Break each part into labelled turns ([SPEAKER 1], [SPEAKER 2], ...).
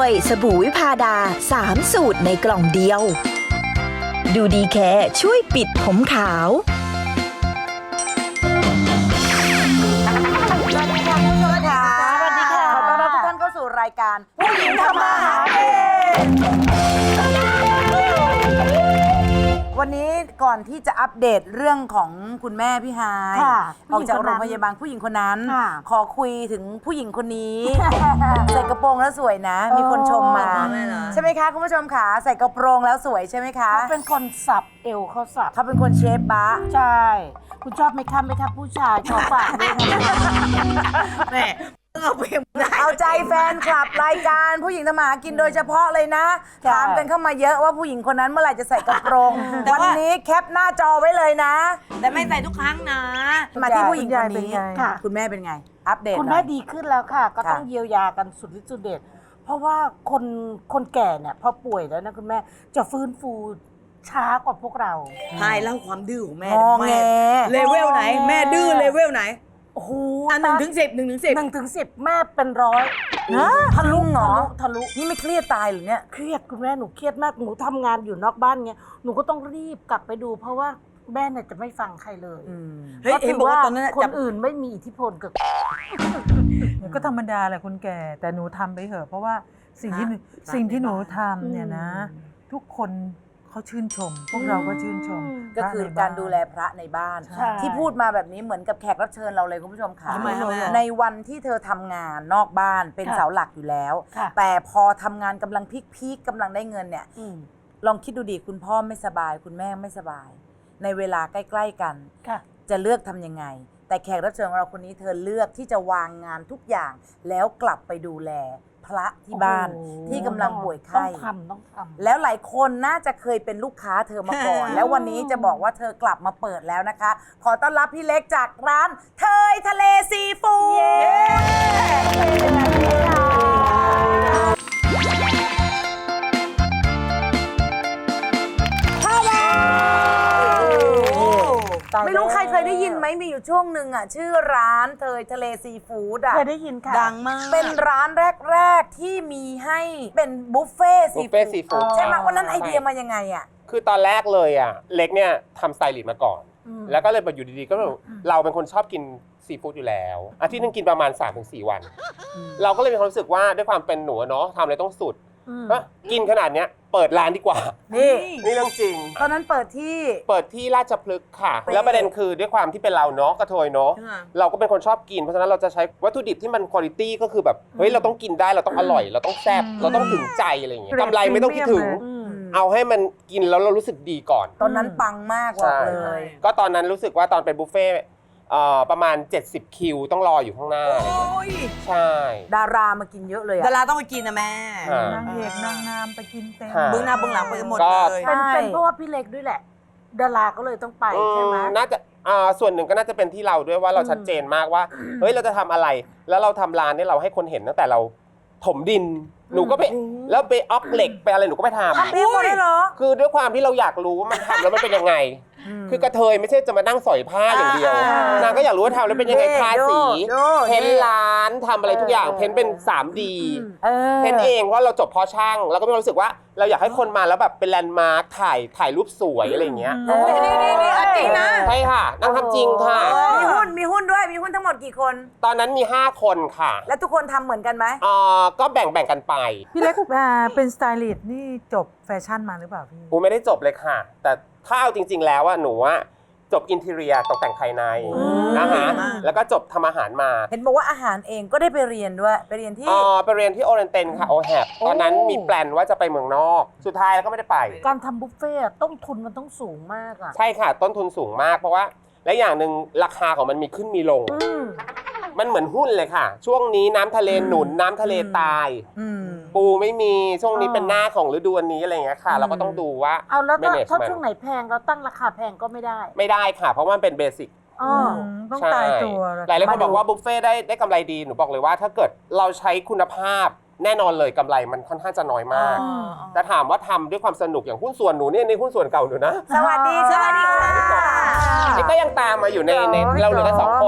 [SPEAKER 1] ยสบู่วิพาดา3 สูตรในกล่องเดียว ดูดีแค่ช่วยปิดผมขาว
[SPEAKER 2] สวัสดีค่ะคุณผู้ชมค่ะสวัสดีค่ะขอต้อนรับทุกท่านเข้าสู่รายการผู้หญิงทำมาหากินวันนี้ก่อนที่จะอัปเดตเรื่องของคุณแม่พี่ฮายออกจากโรงพยาบาลผู้หญิงคนนั้นขอคุยถึงผู้หญิงคนนี้ใส่กระโปรงแล้วสวยนะ มีคนชมมาใช่ไหมคะคุณผู้ชมค่ะใส่กระโปรงแล้วสวยใช่ไหมคะ
[SPEAKER 3] เขาเป็นคนสับเอวเขาสับ
[SPEAKER 2] เขาเป็นคนเชฟบะ
[SPEAKER 3] ใช่ คุณชอบไหมคะผู้ชายขอฝากด้วยค่ะ
[SPEAKER 4] แม่เอาไปได้
[SPEAKER 2] เอาใจแฟนคลับรายการผู้หญิงทำมาหากินโดยเฉพาะเลยนะถามกันเข้ามาเยอะว่าผู้หญิงคนนั้นเมื่อไหร่จะใส่กระโปรงวันนี้แคปหน้าจอไว้เลยนะ
[SPEAKER 4] แต่ไม่ใส่ทุกครั้งนะ
[SPEAKER 2] มาที่ผู้หญิงคนนี้
[SPEAKER 3] ค่ะ
[SPEAKER 2] คุณแม่เป็นไง อัปเดต
[SPEAKER 3] คุณ
[SPEAKER 2] หน่
[SPEAKER 3] แม่
[SPEAKER 2] อย
[SPEAKER 3] ดีขึ้นแล้วค่ะ ก็ต้อง
[SPEAKER 2] ค่ะ
[SPEAKER 3] เยียวยากันสุดฤทธิ์สุดเด็ดเพราะว่าคนแก่เนี่ยพอป่วยแล้วนะคุณแม่จะฟื้นฟูช้ากว่าพวกเรา
[SPEAKER 4] พายเล่าความดื้อของแม่
[SPEAKER 2] งอแง
[SPEAKER 4] เลเวลไหน แม่ดื้อเลเวลไหน
[SPEAKER 3] โอ้โห
[SPEAKER 4] 1 ถึง 10
[SPEAKER 3] 1 ถึง 10แม่เป็นร้อย
[SPEAKER 2] ทะลุเหรอ
[SPEAKER 3] ทะลุ
[SPEAKER 2] นี่ไม่เครียดตายหรือเนี่ย
[SPEAKER 3] เครียดคุณแม่หนูเครียดมากหนูทำงานอยู่นอกบ้านเงี้ยหนูก็ต้องรีบกลับไปดู เพราะว่าแม่เนี่ยจะไม่ฟังใครเลย
[SPEAKER 4] เฮ้ยเห็นบอกว่าตอนนั้น
[SPEAKER 3] ค
[SPEAKER 4] จับ
[SPEAKER 3] นอื่นไม่มีอิทธิพลกับ
[SPEAKER 5] ก็ธรรมดาแหละคนแก่แต่หนูทำไปเถอะเพราะว่าสิ่งที่หนูทำเนี่ยนะ ทุกคนเขาชื่นชม พวกเราก็ชื่นชม
[SPEAKER 2] ก็คือการดูแลพระในบ้าน
[SPEAKER 3] ใช่
[SPEAKER 2] ที่พูดมาแบบนี้เหมือนกับแขกรับเชิญเราเลยคุณผู้ชมค่ะ
[SPEAKER 4] ทำไมอะแม่
[SPEAKER 2] ในวันที่เธอทำงานนอกบ้านเป็น
[SPEAKER 3] ค่ะ
[SPEAKER 2] เสาหลักอยู่แล้ว
[SPEAKER 3] ค่ะ
[SPEAKER 2] แต่พอทำงานกำลังพีคๆกำลังได้เงินเนี่ย
[SPEAKER 3] อืม
[SPEAKER 2] ลองคิดดูดิคุณพ่อไม่สบาย คุณแม่ไม่สบาย ในเวลาใกล้ๆกัน
[SPEAKER 3] ค่ะ
[SPEAKER 2] จะเลือกทำยังไง แต่แขกรับเชิญของเราคนนี้เธอเลือกที่จะวางงานทุกอย่าง แล้วกลับไปดูแลพระที่บ้าน
[SPEAKER 3] โอ้โห
[SPEAKER 2] ที่กำลังป่วยไข้
[SPEAKER 3] ต้องทำ
[SPEAKER 2] แล้วหลายคนน่าจะเคยเป็นลูกค้าเธอมาก่อน แล้ววันนี้จะบอกว่าเธอกลับมาเปิดแล้วนะคะ ขอต้อนรับพี่เล็กจากร้านเทยทะเลซีฟู้ดไม่รู้ใครเคยได้ยินไหมมีอยู่ช่วงหนึ่งอ่ะชื่อร้านเทยทะเลซีฟู้ดอ่ะ
[SPEAKER 3] เคยได้ยินค่ะ
[SPEAKER 4] ดังมาก
[SPEAKER 2] เป็นร้านแรก ๆ ที่มีให้เป็นบุฟเฟ่ต์ซี
[SPEAKER 6] บุฟเฟ่ต์ซีฟู้ด
[SPEAKER 2] ใช่ไหมวันนั้นไอเดียมายังไงอ่ะ
[SPEAKER 6] คือตอนแรกเลยอ่ะเล็กเนี่ยทำสไตลิสต์มาก่อน แล้วก็เลยมาอยู่ดีๆก็แบบเราเป็นคนชอบกินซีฟู้ดอยู่แล้วอาทิตย์นึงกินประมาณ 3-4 วัน เราก็เลยมีความรู้สึกว่าด้วยความเป็นหนูอะเนาะทำอะไรต้องสุดก็กินขนาดเนี้ยเปิดร้านดีกว่า
[SPEAKER 2] นี่
[SPEAKER 6] นี่เรื่องจริง
[SPEAKER 2] ตอนนั้นเปิดที่
[SPEAKER 6] เปิดที่ราชพฤกษ์ค่ะ แล้วประเด็นคือด้วยความที่เป็นเราเนาะกระเทยเนาะ
[SPEAKER 4] ค่ะ
[SPEAKER 6] เราก็เป็นคนชอบกินเพราะฉะนั้นเราจะใช้วัตถุดิบที่มันคุณภาพก็คือแบบเฮ้ยเราต้องกินได้เราต้องอร่อย เราต้องแซ่บเราต้องถึงใจอะไรอย่างเงี้ยกำไรไม่ต้องคิดถึง เอาให้มันกินแล้วเรารู้สึกดีก่อน
[SPEAKER 2] ตอนนั้นปังมากบอกเลย
[SPEAKER 6] ก็ตอนนั้นรู้สึกว่าตอนเป็นบุฟเฟ่ต์ประมาณ 70 คิวต้องรออยู่ข้างหน้า
[SPEAKER 4] โอ้ย
[SPEAKER 6] ใช่
[SPEAKER 2] ดารามากินเยอะเลย
[SPEAKER 4] ดา
[SPEAKER 2] อะ
[SPEAKER 4] ราต้องไปกินนะแม่
[SPEAKER 6] อ่า
[SPEAKER 5] นางเอกนางงามไปกินเต็ม
[SPEAKER 6] ค่ะ
[SPEAKER 4] เบื้องหน้าเบื้องหลังไปกันหมด
[SPEAKER 6] ก็
[SPEAKER 4] เลย
[SPEAKER 3] เป็นเพราะว่าพี่เล็กด้วยแหละ ดาราก็เลยต้องไปใช่ไหม
[SPEAKER 6] น่าจะส่วนหนึ่งก็น่าจะเป็นที่เราด้วยว่าเราชัดเจนมากว่าเฮ้ยเราจะทำอะไร แล้วเราทำร้านเนี่ยเราให้คนเห็นตั้งแต่เราถมดินหนูก็ไปแล้วไปออกเหล็กไปอะไรหนูก็ไปทำ
[SPEAKER 2] ทำเองหมดเลยเหรอ
[SPEAKER 6] คือด้วยความที่เราอยากรู้ว่ามันทำแล้วมันเป็นยังไง คือกระเทยไม่ใช่จะมานั่งสอยผ้าอย่างเดียว นางก็อยากรู้ว่าทำแล้วเป็นยังไงทาสี เพ้นร้านทำอะไรทุกอย่าง เพ้นเป็น 3D เพ้นเองเพราะเราจบเพาะช่าง แล้วก็มีความรู้สึกว่าเราอยากให้คนมาแล้วแบบเป็นแลนด์มาร์คถ่ายรูปสวยอะไรอย่างเงี้ย
[SPEAKER 4] นี่จริงนะ
[SPEAKER 6] ใช่ค่ะนางทำจริงค่ะ
[SPEAKER 2] มีหุ้นด้วย มีหุ้นทั้งหมดกี่คน
[SPEAKER 6] ตอนนั้นมี 5 คนค่ะ
[SPEAKER 2] แล้วทุกคนทำเหมือนกันไหม
[SPEAKER 6] ก็แบ่งกันไป
[SPEAKER 5] พี่เล็กเป็นสไตลิสต์นี่จบแฟชั่นมาหรือเปล่าพี่
[SPEAKER 6] กูไม่ได้จบเลยค่ะ แต่ถ้าเอาจริง ๆ แล้วอะหนูอะจบอินทีเรียตกแต่งภายในนะคะแล้วก็จบทำอาหารมา
[SPEAKER 2] เห็นบอกว่าอาหารเองก็ได้ไปเรียนด้วย ไปเรียนที่
[SPEAKER 6] ไปเรียนที่โอเรนเตนค่ะโอแฮปตอนนั้นมีแปลนว่าจะไปเมืองนอก สุดท้ายแล้วก็ไม่ได้ไป
[SPEAKER 3] การทำบุฟเฟ่ต์ต้นทุนมันต้องสูงมากอ่ะ
[SPEAKER 6] ใช่ค่ะ ต้นทุนสูงมากเพราะว่าและอย่างหนึ่งราคาของมันมีขึ้นมีลง มันเหมือนหุ้นเลยค่ะ ช่วงนี้น้ำทะเลหนุนน้ำทะเลตาย ปูไม่มีช่วงนี้เป็นหน้าของฤดูอันนี้อะไรอย่างเงี้ยค่ะ เราก็ต้องดูว่า
[SPEAKER 3] เอาแล้วถ้า
[SPEAKER 6] management
[SPEAKER 3] ช่วงไหนแพงเราตั้งราคาแพงก็ไม่ได้
[SPEAKER 6] ไม่ได้ค่ะ เพราะว่ามันเป็นเบสิก
[SPEAKER 3] อ๋อ
[SPEAKER 5] ต้อง
[SPEAKER 6] ใช่
[SPEAKER 5] ตายตัว
[SPEAKER 6] หลายคนบอกว่าบุฟเฟ่ต์ได้กำไรดีหนูบอกเลยว่าถ้าเกิดเราใช้คุณภาพแน่นอนเลยกำไรมันค่อนข้างจะน้อยมาก แต่ถามว่าทำด้วยความสนุกอย่างหุ้นส่วนหนูเนี่ยในหุ้นส่วนเก่าหนูนะ
[SPEAKER 2] สวัสดีค่ะ
[SPEAKER 6] นี่ก็ยังตามมาอยู่ในเราเหลือกัน2 คน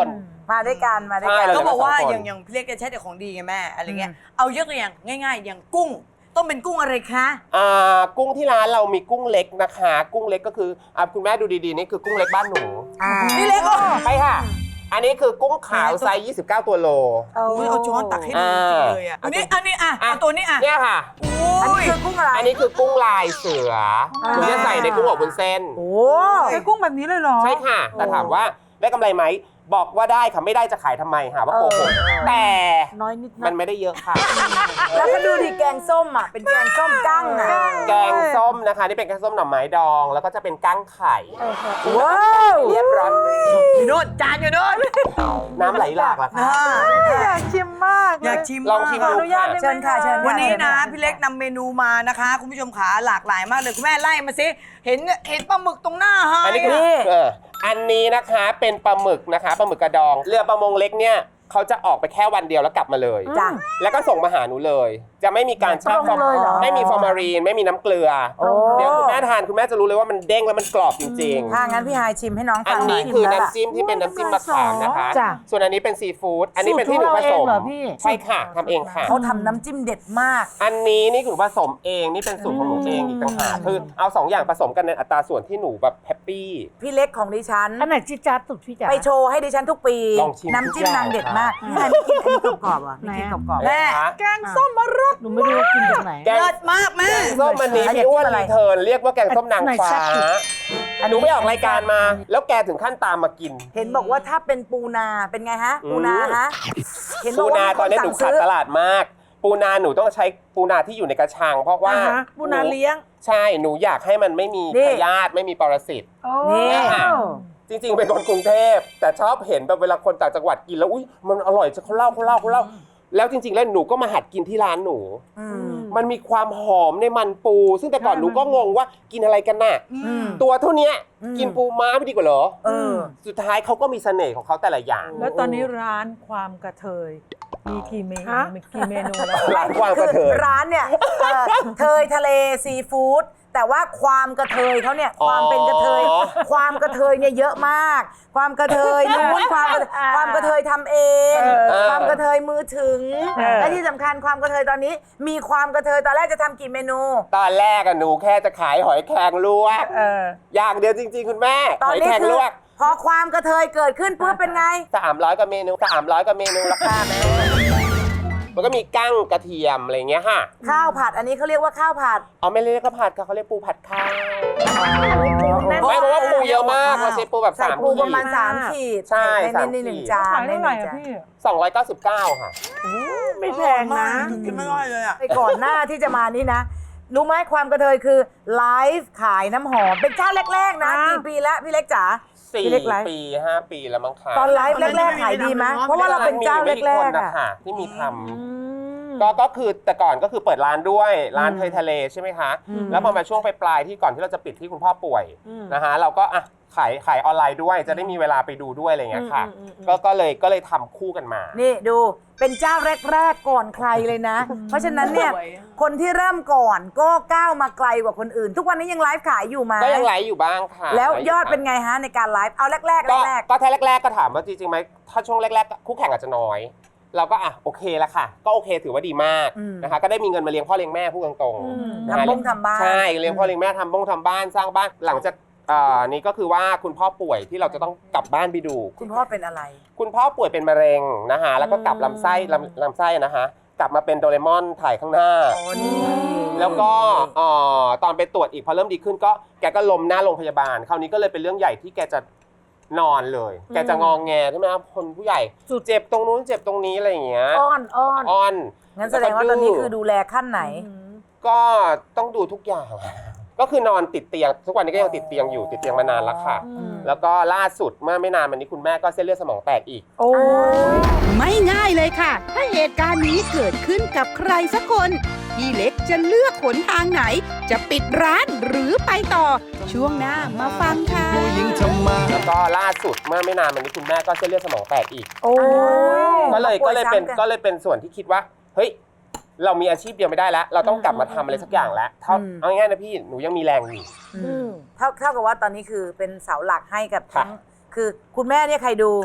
[SPEAKER 2] มาด้วยกันมาด้วย
[SPEAKER 6] ใช่
[SPEAKER 2] กัน
[SPEAKER 6] เรา
[SPEAKER 4] ก็บอกว่า
[SPEAKER 6] สองคน
[SPEAKER 4] อย่างพี่เล็กจะใช้แต่ของดีไงแม่อะไรเงี้ยเอายกตัวอย่างง่ายๆ อย่างกุ้งต้องเป็นกุ้งอะไรคะ
[SPEAKER 6] กุ้งที่ร้านเรามีกุ้งเล็กนะคะ กุ้งเล็กก็คือคุณแม่ดูดีๆนี่คือกุ้งเล็กบ้านหนู
[SPEAKER 4] พี่เล็กก็
[SPEAKER 6] ใช่ค่ะ อันนี้คือกุ้งขาวไซส์29 ตัวโล
[SPEAKER 4] เอาช้อนตักให้ดูจริงเลยอ่ะอันนี้เอาตัวนี้อ่ะ
[SPEAKER 6] เนี่ยค่ะ
[SPEAKER 2] อันนี้คือกุ้งอะไร
[SPEAKER 6] อันนี้คือกุ้งลายเสือหนูจะใส่ในกุ้งอบวุ้นเส้น
[SPEAKER 2] โอ้
[SPEAKER 5] ไอ้กุ้งแบบนี้เลยเหรอ
[SPEAKER 6] ใช่ค่ะ แต่ถามว่าได้กำไรไหม บอกว่าได้ค่ะ ไม่ได้จะขายทำไมหาว่าโกหกแต่
[SPEAKER 3] น้อยนิด
[SPEAKER 6] มันไม่ได้เยอะค่ะ
[SPEAKER 2] แล้วก็ดูดิแกงส้มอ่ะเป็นแกงส้มกั้งอ่ะ
[SPEAKER 6] แกงส้มนะคะ นี่เป็นแกงส้มหน่อไม้ดอง แล้วก็จะเป็นกั้งไข่
[SPEAKER 2] ว้าว
[SPEAKER 6] เรียบร้อย
[SPEAKER 4] อยู่โน่นจานอยู่โน่น
[SPEAKER 6] น้ำไหลหลากล่ะค่ะ
[SPEAKER 5] อยากชิมมากเล
[SPEAKER 4] อยากชิม
[SPEAKER 6] ลองชิม
[SPEAKER 5] ขอ
[SPEAKER 6] ดู
[SPEAKER 5] อนุญา
[SPEAKER 6] ค่ะ
[SPEAKER 5] ตได้ไหม
[SPEAKER 2] เชิญค่ะเชิญค่ะ
[SPEAKER 4] วันนี้นะ
[SPEAKER 2] เชิญค่
[SPEAKER 4] พี่เล็กนำเมนูมานะคะ คุณผู้ชมขาหลากหลายมากเลยคุณแม่ไล่มาสิเห็นปลาหมึกตรงหน้าให้
[SPEAKER 6] อันนี้คืออันนี้นะคะเป็นปลาหมึกนะคะปลาหมึกกระดอง เรือประมงเล็กเนี่ยเขาจะออกไปแค่วันเดียวแล้วกลับมาเลย
[SPEAKER 2] จ้ะ
[SPEAKER 6] แล้วก็ส่งมาหาหนูเลย จะไม่มีการแช่ฟอร์
[SPEAKER 2] เลยเหรอ
[SPEAKER 6] ไม่มีฟอร์มารีนไม่มีน้ำเกลือ
[SPEAKER 2] โอ้
[SPEAKER 6] เดี๋ยวคุณแม่ทานคุณแม่จะรู้เลยว่ามันเด้งแล้วมันกรอบจริง
[SPEAKER 2] ถ้างั้นพี่ฮายชิมให้น้อง
[SPEAKER 6] ๆ อั
[SPEAKER 2] ฟั
[SPEAKER 6] น
[SPEAKER 2] งหน่
[SPEAKER 6] นี้
[SPEAKER 2] อย
[SPEAKER 6] คือ
[SPEAKER 2] แล้วล่ะ
[SPEAKER 6] น้ำจิ้มที่เป็นน้ำจิ้มมะขามนะคะ
[SPEAKER 2] จ้ะ
[SPEAKER 6] ส่วนอันนี้เป็นซีฟู้ดอันนี้เป็นที่หนูผสม
[SPEAKER 3] สูตรของเราเองเหรอพี่
[SPEAKER 6] ใช่ค่ะทำเองค่ะ
[SPEAKER 2] เขาทำน้ำจิ้มเด็ดมาก
[SPEAKER 6] อันนี้นี่หนูผสมเองนี่เป็นสูตรของหนูเองอีกต่างหากคือเอาสองอย่างผสมกันในอัตราส่วนที่หนูแบบแฮปปี้
[SPEAKER 2] พี่เล็กของดิฉัน
[SPEAKER 3] อันไหนจิจัดสุดพี่จ๋า
[SPEAKER 2] ไปโชว์ให้ดิฉันทุกปี
[SPEAKER 6] ลองชิม
[SPEAKER 2] น้ำจิ้ม
[SPEAKER 6] ทุกอย่าง
[SPEAKER 2] นางเด็ดมากพี่ฮายไม่กินอันนี้กรอบๆอ่ะไม่กินกรอบๆ
[SPEAKER 4] แม่
[SPEAKER 3] แกงส้มมะรดหนูไม่รู้ว่ากินจากไหน
[SPEAKER 6] แกง
[SPEAKER 4] เลิศมากแม่
[SPEAKER 6] ส้มมันนี้
[SPEAKER 2] อันนี้
[SPEAKER 6] พี่อ้วน
[SPEAKER 2] อะไร
[SPEAKER 6] รีเทิร์นเรียกว่าแกงส้มนาง
[SPEAKER 3] ไหน
[SPEAKER 6] ฟ้า
[SPEAKER 3] แซ่บสุด
[SPEAKER 6] หนูไปออกรายการมา แล้วแกถึงขั้นตามมากิน
[SPEAKER 2] เห็นบอกว่าถ้าเป็นปูนาเป็นไงฮะ ปูนาฮะเห็นบ
[SPEAKER 6] ปู
[SPEAKER 2] อกว่า
[SPEAKER 6] นา
[SPEAKER 2] มี
[SPEAKER 6] ตอนนี้
[SPEAKER 2] ค
[SPEAKER 6] หนู
[SPEAKER 2] สั่
[SPEAKER 6] ขาด
[SPEAKER 2] ซื้อ
[SPEAKER 6] ตลาดมาก ปูนาหนูต้องใช้ปูนาที่อยู่ในกระชัง เพราะว่า
[SPEAKER 3] ปูนาเลี้ยง
[SPEAKER 6] ใช่หนูอยากให้มันไม่มี
[SPEAKER 2] นี่
[SPEAKER 6] พยาธิไม่มีปรสิต
[SPEAKER 2] นี่
[SPEAKER 6] ค่ะ จริงๆเป็นคนกรุงเทพแต่ชอบเห็นแบบเวลาคนต่างจังหวัดกินแล้วอุ้ยมันอร่อยจะเขาเล่าแล้วจริงๆแล้วหนูก็มาหัดกินที่ร้านหนู
[SPEAKER 2] อืม
[SPEAKER 6] มันมีความหอมในมันปู ซึ่งแต่ก่อนหนูก็งงว่ากินอะไรกันน่ะ
[SPEAKER 2] อืม
[SPEAKER 6] ตัวเท่าเนี้ย
[SPEAKER 2] อืม
[SPEAKER 6] กินปูม้าไม่ดีกว่าเหรอ
[SPEAKER 2] เออ
[SPEAKER 6] สุดท้ายเขาก็มีเสน่ห์ของเขาแต่ละอย่าง
[SPEAKER 5] แล้วตอนนี้ร้านความกระเทยมีกี่เมนู
[SPEAKER 3] ฮะ
[SPEAKER 5] มีกี่เมนูแล้ว
[SPEAKER 6] ร้านความกระเทย
[SPEAKER 2] คือร้านเนี่ยเทยทะเลซีฟู้ดแต่ว่าความกระเทยเขาเนี่ยความเป็นกระเทย
[SPEAKER 6] อ๋อ
[SPEAKER 2] ความกระเทยเนี่ยเยอะมาก ความกระเทยนู้นความกระเทยทำเอง ความกระเทยมือถึง และที่สำคัญความกระเทยตอนนี้ มีความกระเทยตอนแรกจะทำกี่เมนู
[SPEAKER 6] ตอนแรกอะหนูแค่จะขายหอยแครงลวก อย่างเดียวจริงๆ คุณแม่
[SPEAKER 2] ต
[SPEAKER 6] ห
[SPEAKER 2] อน
[SPEAKER 6] อย
[SPEAKER 2] นี้
[SPEAKER 6] แครง
[SPEAKER 2] คื
[SPEAKER 6] ล
[SPEAKER 2] อ
[SPEAKER 6] วก
[SPEAKER 2] พอความกระเทยเกิดขึ้นปุ๊บเป็นไง
[SPEAKER 6] 300 กว่าเมนู300 กว่าเมนูราคาแม่มันก็มีกั้งกระเทียมอะไรอย่างเงี้ยค่ะ
[SPEAKER 2] ข้าวผัดอันนี้เขาเรียกว่าข้าวผัด
[SPEAKER 6] เอาไม่เรียกข้าวผัดค่ะเขาเรียกปูผัดข้าวไม่เพราะว่าปูเยอะมากเราใช้ปูแบบ
[SPEAKER 2] ใส่
[SPEAKER 6] 3
[SPEAKER 2] ปู
[SPEAKER 6] ขี
[SPEAKER 2] ประมาณ
[SPEAKER 6] ด
[SPEAKER 2] 3 ขีด
[SPEAKER 6] ใช่
[SPEAKER 2] ใน
[SPEAKER 6] สาม
[SPEAKER 2] นี่หนึ่ง
[SPEAKER 6] ขีด
[SPEAKER 2] จาน
[SPEAKER 5] ขาย
[SPEAKER 2] ใน
[SPEAKER 5] เท่า
[SPEAKER 2] ห
[SPEAKER 5] ไหร่
[SPEAKER 2] นึ่ง
[SPEAKER 5] อะ
[SPEAKER 2] จาน
[SPEAKER 5] พี่
[SPEAKER 6] 299 ค่ะ
[SPEAKER 3] ไม่แพงนะ
[SPEAKER 4] กินไม่ได้เลยอ่ะ
[SPEAKER 2] ไปก่อนหน้าที่จะมานี่นะ รู้ไหมความกระเทยคือไลฟ์ขายน้ำหอมเป็นเจ้าแรกๆนะกี่ปีแล้วพี่เล็กจ๋า พี่เล็กไลฟ์
[SPEAKER 6] 4 ปี 5 ปีแล้วมั้งคะ
[SPEAKER 2] ตอนไลฟ์แรกๆขายดีไหมเพราะว่าเราเป็นเจ้า
[SPEAKER 6] มีไม่กี่
[SPEAKER 2] แร
[SPEAKER 6] คน
[SPEAKER 2] กๆ
[SPEAKER 6] นะ
[SPEAKER 2] อะ
[SPEAKER 6] คะที่มีทำก็คือแต่ก่อนก็คือเปิดร้านด้วยร้านเทยทะเลใช่ไหมคะ แล้วพอมาช่วงปลายๆที่ก่อนที่เราจะปิดที่คุณพ่อป่วยนะฮะเราก็อ่ะขายออนไลน์ด้วยจะได้มีเวลาไปดูด้วยอะไรอย่างเงี้ยค่ะก็เลยทำคู่กันมา
[SPEAKER 2] นี่ดูเป็นเจ้าแรกๆก่อนใครเลยนะ เพราะฉะนั้นเนี่ย
[SPEAKER 4] สวย
[SPEAKER 2] คนที่เริ่มก่อนก็ก้าวมาไกลกว่าคนอื่น ทุกวันนี้ยังไลฟ์ขายอยู่ไหม
[SPEAKER 6] ก็ยังไลฟ์อยู่บ้างค่ะ
[SPEAKER 2] แล้ว
[SPEAKER 6] ไฟ์
[SPEAKER 2] ยอดเป็นไงฮะในการไลฟ์เอาแรกๆแรก
[SPEAKER 6] ก็ถ้าแรกๆก็ถามว่าจริงๆไหมถ้าช่วงแรกๆคู่แข่งอาจจะน้อย เราก็อ่ะโอเคละค่ะ ก็โอเคถือว่าดีมากนะคะก็ได้มีเงินมาเลี้ยงพ่อเลี้ยงแม่พูดตรงๆนะคะ
[SPEAKER 2] ทำบ้าน
[SPEAKER 6] ใช่เลี้ยงพ่อเลี้ยงแม่ทำบ้านสร้างบ้านหลังจากนี่ก็คือว่าคุณพ่อป่วยที่เราจะต้องกลับบ้านไปดู
[SPEAKER 2] คุณพ่อเป็นอะไร
[SPEAKER 6] คุณพ่อป่วยเป็นมะเร็งนะคะแล้วก็กลับลำไส้นะคะกลับมาเป็นโดเรมอนถ่ายข้างหน้า แล้วก็ตอนไปตรวจอีกพอเริ่มดีขึ้นก็แกก็ล้มหน้าโรงพยาบาลคราวนี้ก็เลยเป็นเรื่องใหญ่ที่แกจะนอนเลย แกจะงองแงใช่ไหมครับคนผู้ใหญ่เจ็บตรงนู้นเจ็บตรงนี้อะไรอย่างเงี้ย
[SPEAKER 3] อ้อน
[SPEAKER 6] อ้อน
[SPEAKER 2] งั้นแสดงว่าตอนนี้คือดูแลขั้นไหน
[SPEAKER 6] ก็ต้องดูทุกอย่าง ก็คือนอนติดเตียงทุกวันนี้ก็ยังติดเตียงอยู่ติดเตียงมานานแล้วค่ะ แล้วก็ล่าสุดเมื่อไม่นานมานี้คุณแม่ก็เส้นเลือดสมองแตกอีก
[SPEAKER 3] โอ้
[SPEAKER 7] ไม่ง่ายเลยค่ะ ถ้าเหตุการณ์นี้เกิดขึ้นกับใครสักคน พี่เล็กจะเลือกหนทางไหน จะปิดร้านหรือไปต่อ ช่วงหน้ามาฟังค่ะ
[SPEAKER 6] แล้วก็ล่าสุดเมื่อไม่นานมานี้คุณแม่ก็เส้นเลือดสมองแตกอีก
[SPEAKER 3] โอ้
[SPEAKER 6] ก็เลยเป็นส่วนที่คิดว่าเฮ้ยเรามีอาชีพเดียวไม่ได้แล้ว เราต้องกลับมาทำอะไรสักอย่างแล้วเอาง่ายๆนะพี่หนูยังมีแรงอยู่
[SPEAKER 2] เท่ากับว่าตอนนี้คือเป็นเสาหลักให้กับทั้งคือคุณแม่เนี่ยใครดู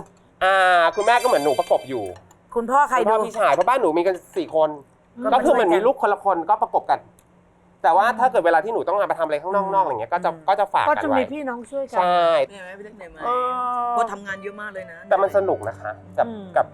[SPEAKER 6] คุณแม่ก็เหมือนหนูประกบอยู่
[SPEAKER 2] คุณพ่อใคร
[SPEAKER 6] คุณพ่
[SPEAKER 2] ดู
[SPEAKER 6] อพี่ชายเพราะบ้านหนูมีกัน4 คน ก็คือเหมือนมีลูกคนละคนก็ประกบกัน แต่ว่าถ้าเกิดเวลาที่หนูต้องงานไปทำอะไรข้างนอกอะไรเงี้ยก็จะฝาก
[SPEAKER 3] ก็
[SPEAKER 6] กัน
[SPEAKER 3] จะ
[SPEAKER 6] ไว้
[SPEAKER 3] มีพี่น้องช่วยกั
[SPEAKER 6] ใช่
[SPEAKER 4] เหนื่อยไหมพี่เล็กเหนื่อยไหม
[SPEAKER 6] เออ
[SPEAKER 4] เพราะทำงานเยอะมากเลยนะ
[SPEAKER 6] แต่มันสนุกนะคะกับ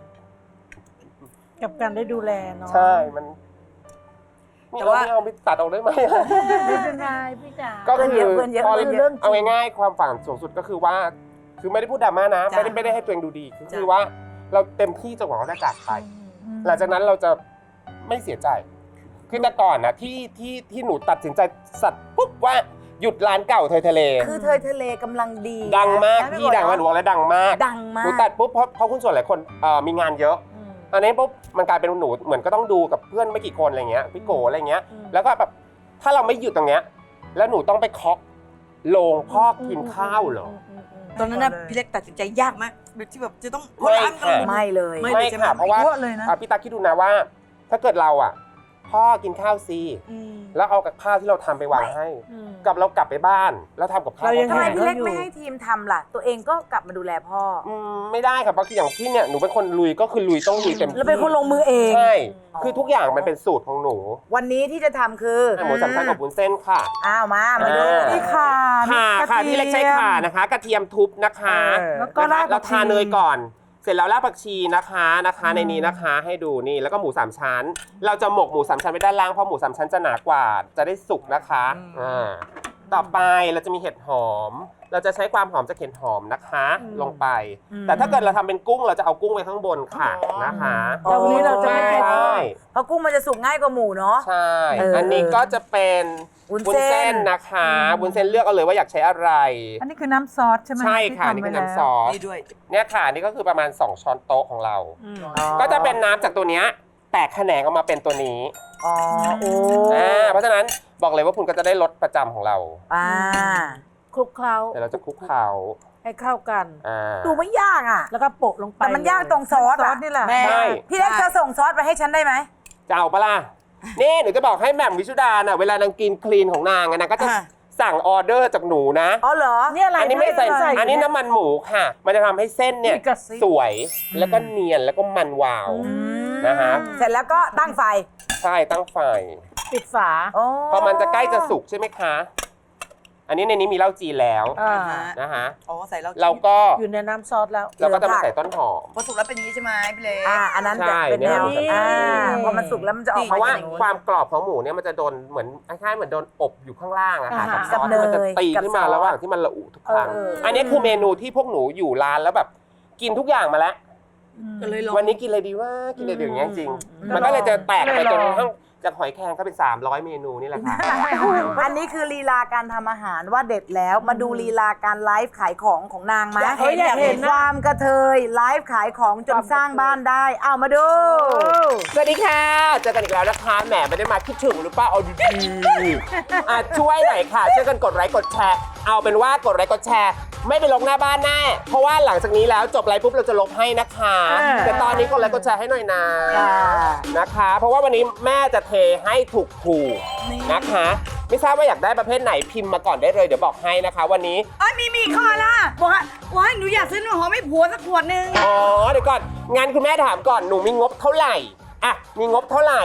[SPEAKER 3] กับการได้ดูแลเนาะ
[SPEAKER 6] ใช่มันแต่ว่าเอาไปตัดออกได้ไหม
[SPEAKER 3] ไม่เป็นไรพี่จ๋า
[SPEAKER 6] ก็คือ
[SPEAKER 2] เพื่อนเยอะ
[SPEAKER 6] พอ
[SPEAKER 2] เพื่อนเยอะ
[SPEAKER 6] เอาง่ายๆความฝันสูงสุดก็คือว่า คือไม่ได้พูดดราม่านะ
[SPEAKER 4] จ้ะ
[SPEAKER 6] ไม่ได้ให้ตัวเองดูดีคือ
[SPEAKER 4] จ้ะ
[SPEAKER 6] ว่าเราเต็มที่จนกว่าเขาจะจากไปหลังจากนั้นเราจะไม่เสียใจ คือแต่ก่อนนะที่หนูตัดสินใจสัตว์ปุ๊บว่าหยุดร้านเก่าเทยทะเล
[SPEAKER 2] คือเธอทะเลกำลังดี
[SPEAKER 6] ดังมาก
[SPEAKER 2] นะ
[SPEAKER 6] พี่ดังมากหนูบอกแล้วดังมาก
[SPEAKER 2] ดังมา
[SPEAKER 6] หนู
[SPEAKER 2] ก
[SPEAKER 6] ตัดปุ๊บเพราะคุณส่วนหลายคนมีงานเยอะ อันนี้ปุ๊บมันกลายเป็นหนูเหมือนก็ต้องดูกับเพื่อนไม่กี่คนอะไรเงี้ยพี่โกอะไรเงี้ย แล้วก็แบบถ้าเราไม่หยุดตรงเนี้ยแล้วหนูต้องไปเคาะโรงพ่อกินข้าวเหรอ
[SPEAKER 4] ตอนนั้นนะพี่เล็กตัดสินใจยากไหมแบบที่แบบจะต้อง
[SPEAKER 6] ไม่
[SPEAKER 4] ล้างกัน
[SPEAKER 6] ค่ะ
[SPEAKER 2] ไม่เลย
[SPEAKER 4] ไม่
[SPEAKER 6] ไม่ค่ะเพราะว่า
[SPEAKER 5] เยอะเลยนะ
[SPEAKER 6] พี่ตาคิดดูนะว่า ถ้าเกิดเราพ่อกินข้าวซี
[SPEAKER 4] อืม
[SPEAKER 6] แล้วเอากับข้าวที่เราทำไปวางให้ กับเรากลับไปบ้านแล้วทำกับข้าว
[SPEAKER 3] เรายัง
[SPEAKER 2] ทำไม
[SPEAKER 6] ให้
[SPEAKER 2] พี่เล็กไม่ให้ทีมทำล่ะ ตัวเองก็กลับมาดูแลพ่อ
[SPEAKER 6] ไม่ได้ครับเพราะคืออย่างพี่เนี่ยหนูเป็นคนลุยก็คือลุยต้องลุยเต็มที่
[SPEAKER 2] แล้วเป็นคนลงมือเอง
[SPEAKER 6] ใช่คือทุกอย่างมันเป็นสูตรของหนู
[SPEAKER 2] วันนี้ที่จะทำคือ
[SPEAKER 6] หมูสามชั้นกับวุ้นเส้นค่ะ
[SPEAKER 2] อ้าวมาดู
[SPEAKER 5] นี่ค่ะ
[SPEAKER 6] ค่ะ
[SPEAKER 5] นี่
[SPEAKER 6] ค่ะ
[SPEAKER 5] กระทียม
[SPEAKER 6] พี่เล็กใช้ข่านะคะ กระเทียมทุบนะคะ
[SPEAKER 5] แล้วก็รากผักชี
[SPEAKER 6] เราทาเนยก่อน เสร็จแล้วรากผักชีนะคะในนี้นะคะให้ดูนี่แล้วก็หมู3 ชั้น เราจะหมกหมู3 ชั้นไว้ด้านล่างเพราะหมู3 ชั้นจะหนากว่าจะได้สุกนะคะต่อไปเราจะมีเห็ดหอม เราจะใช้ความหอมจากเห็ดหอมนะคะ ลงไป แต่ถ้าเกิดเราทำเป็นกุ้งเราจะเอากุ้งไว้ข้างบนค่ะนะคะ
[SPEAKER 3] แต่วันนี้เราจะไม่ใช้
[SPEAKER 6] ใช่
[SPEAKER 2] เพราะกุ้งมันจะสุกง่ายกว่าหมูเนาะ
[SPEAKER 6] ใช่
[SPEAKER 2] เอออั
[SPEAKER 6] อันนี้ก็จะเป็น
[SPEAKER 2] วุ้น
[SPEAKER 6] วุ้น
[SPEAKER 2] เส้
[SPEAKER 6] เส้
[SPEAKER 2] น
[SPEAKER 6] นนะคะวุ้นเส้นเลือกเอาเลยว่าอยากใช้อะไร
[SPEAKER 5] อันนี้คือน้ำซอสใช่ไหม
[SPEAKER 6] ใช่ค่ะ
[SPEAKER 5] ที่
[SPEAKER 6] นี่
[SPEAKER 5] ทำ
[SPEAKER 6] คือ
[SPEAKER 5] ไว้
[SPEAKER 6] น้ำซอส
[SPEAKER 4] นี่ด้วย
[SPEAKER 6] เนี่ยค่ะนี่ก็คือประมาณ2 ช้อนโต๊ะของเรา ก็จะเป็นน้ำจากตัวเนี้ยแตกแขนงออกมาเป็นตัวนี้
[SPEAKER 2] อ๋อโอ้
[SPEAKER 6] เพราะฉะนั้นบอกเลยว่าคุณก็จะได้รสประจำของเรา
[SPEAKER 2] อ่า
[SPEAKER 3] คลุกเคล้า
[SPEAKER 6] เดี๋ยวเราจะคลุกเคล้า
[SPEAKER 3] ให้เข้ากัน
[SPEAKER 2] ดูไม่ยากอ่ะ
[SPEAKER 3] แล้วก็โปะลงไป
[SPEAKER 2] แต่มันยากตรงซอส
[SPEAKER 5] ซอ
[SPEAKER 2] อ่ะ
[SPEAKER 5] สนี่แหละ
[SPEAKER 4] แม่
[SPEAKER 6] ใช่
[SPEAKER 2] พี่เล็กเธอส่งซอสไปให้ฉันได้ไหม
[SPEAKER 6] จะเอาปะล่ะนี่หนูจะบอกให้แหม่มวิชุดาน่ะเวลานางกินคลีนของนางอะนางก็จะสั่งออเดอร์จากหนูนะ
[SPEAKER 2] อ๋อเหรอ
[SPEAKER 3] เนี่ยอะไร
[SPEAKER 6] อันนี้ไม่ใส่อันนี้น้ำมันหมูค่ะ มันจะทำให้เส้นเนี่ย
[SPEAKER 3] มีกระซิบ
[SPEAKER 6] สวยแล้วก็เนียนแล้วก็มันวาว นะฮะ
[SPEAKER 2] เสร็จแล้วก็ตั้งไฟ
[SPEAKER 6] ใช่ตั้งไฟ
[SPEAKER 3] ปิดฝา
[SPEAKER 2] โอ้
[SPEAKER 6] พอมันจะใกล้จะสุกใช่ไหมคะ อันนี้ในนี้มีเหล้าจีนแล้ว
[SPEAKER 3] อ่า
[SPEAKER 6] นะฮะ
[SPEAKER 4] อ๋อใส่แล้ว
[SPEAKER 6] เราก็
[SPEAKER 3] อยู่ในน้ำซอสแล้ว
[SPEAKER 6] เราก็จะมาใส่ต้นหอม
[SPEAKER 4] พอสุกแล้วเป็นอย่างนี้ใช่ไหมพี่เล็ก
[SPEAKER 2] อันนั้น
[SPEAKER 6] ใช่
[SPEAKER 2] จะเป็นแนว
[SPEAKER 6] เนี่ย
[SPEAKER 2] พอมันสุกแล้วมันจะออก
[SPEAKER 6] เพ
[SPEAKER 2] มา
[SPEAKER 6] ราะว่า
[SPEAKER 2] อย่างนี้
[SPEAKER 6] ความกรอบของหมูเนี่ยมันจะโดนเหมือนคล้ายๆเหมือนโดนอบอยู่ข้างล่างอะค่ะ
[SPEAKER 3] อ่า
[SPEAKER 6] กับซอส
[SPEAKER 2] กับ
[SPEAKER 6] ที่มันจะ
[SPEAKER 2] เนย
[SPEAKER 6] ตี
[SPEAKER 2] กับ
[SPEAKER 6] ขึ้นมา
[SPEAKER 2] ซอส
[SPEAKER 6] ระหว่างที่มันระอุทุกครั้ง
[SPEAKER 3] อั
[SPEAKER 6] นนี้คือเมนูที่พวกหนูอยู่ร้านแล้วแบบกินทุกอย่างมาแล้ว
[SPEAKER 4] ก็เลยลอง
[SPEAKER 6] วันนี้กินอะไรดีว่ากินอะไรดีอย่างเงี้ยจริง มันก็เลยจะแตกไปจนกระทั่งจากหอยแครงก็เป็น300 เมนูนี่แหละค่ะ
[SPEAKER 2] อันนี้คือลีลาการทำอาหารว่าเด็ดแล้วมาดูลีลาการไลฟ์ขายของนางไหม
[SPEAKER 3] อยากเห็นนะ
[SPEAKER 2] ความกระเทยไลฟ์ขายของจนสร้างบ้านได้เอามาดู
[SPEAKER 6] สวัสดีค่ะเจอกันอีกแล้วนะคะแหมไม่ได้มาคิดถึงหรือเปล่าเอาดีๆช่วยหน่อยค่ะช่วยกันกดไลค์กดแชร์เอาเป็นว่ากดไลค์กดแชร์ ไม่ไปลงหน้าบ้านแน่เพราะว่าหลังจากนี้แล้วจบไลฟ์ปุ๊บเราจะลบให้นะคะแต่ตอนนี้กดไลค์กดแชร์ให้หน่อยนะนะคะ เพราะว่าวันนี้แม่จะเทให้ถูกๆนะคะ ไม่ทราบว่าอยากได้ประเภทไหนพิมพ์มาก่อนได้เลยเดี๋ยวบอกให้นะคะ วันนี้
[SPEAKER 4] มีข้อละบอกว่าหนูอยากซื้อน้ำหอมให้ผัวสักขวดนึง
[SPEAKER 6] อ๋อเดี๋ยวก่อนงั้นคุณแม่ถามก่อนหนูมีงบเท่าไหร่อ่ะมีงบเท่าไหร่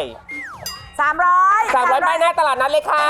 [SPEAKER 2] 300
[SPEAKER 6] 300ป้ายหน้าตลาดนัดเลยค่ะ